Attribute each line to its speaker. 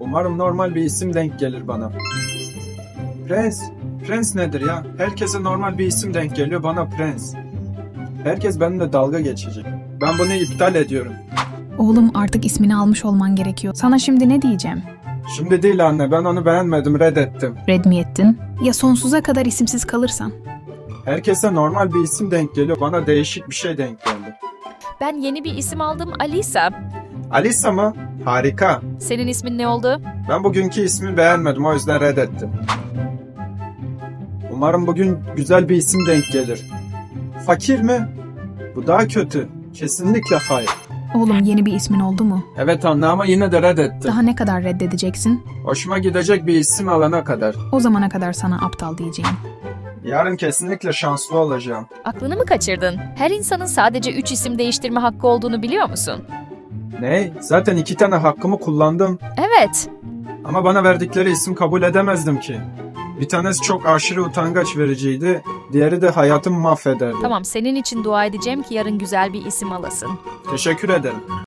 Speaker 1: Umarım normal bir isim denk gelir bana. Prens. Prens nedir ya? Herkese normal bir isim denk geliyor, bana Prens. Herkes benimle dalga geçecek. Ben bunu iptal ediyorum.
Speaker 2: Oğlum artık ismini almış olman gerekiyor. Sana şimdi ne diyeceğim?
Speaker 1: Şimdi değil anne, ben onu beğenmedim, reddettim.
Speaker 2: Red mi ettin? Ya sonsuza kadar isimsiz kalırsan?
Speaker 1: Herkese normal bir isim denk geliyor, bana değişik bir şey denk geldi.
Speaker 3: Ben yeni bir isim aldım, Alisa.
Speaker 1: Alisa mı? Harika.
Speaker 3: Senin ismin ne oldu?
Speaker 1: Ben bugünkü ismi beğenmedim, o yüzden reddettim. Umarım bugün güzel bir isim denk gelir. Fakir mi? Bu daha kötü. Kesinlikle hayır.
Speaker 2: Oğlum yeni bir ismin oldu mu?
Speaker 1: Evet anne, ama yine de reddettim.
Speaker 2: Daha ne kadar reddedeceksin?
Speaker 1: Hoşuma gidecek bir isim alana kadar.
Speaker 2: O zamana kadar sana aptal diyeceğim.
Speaker 1: Yarın kesinlikle şanslı olacağım.
Speaker 3: Aklını mı kaçırdın? Her insanın sadece 3 isim değiştirme hakkı olduğunu biliyor musun?
Speaker 1: Ne? Zaten 2 tane hakkımı kullandım.
Speaker 3: Evet.
Speaker 1: Ama bana verdikleri isim kabul edemezdim ki. Bir tanesi çok aşırı utangaç vericiydi. Diğeri de hayatımı mahvederdi.
Speaker 3: Tamam, senin için dua edeceğim ki yarın güzel bir isim alasın.
Speaker 1: Teşekkür ederim.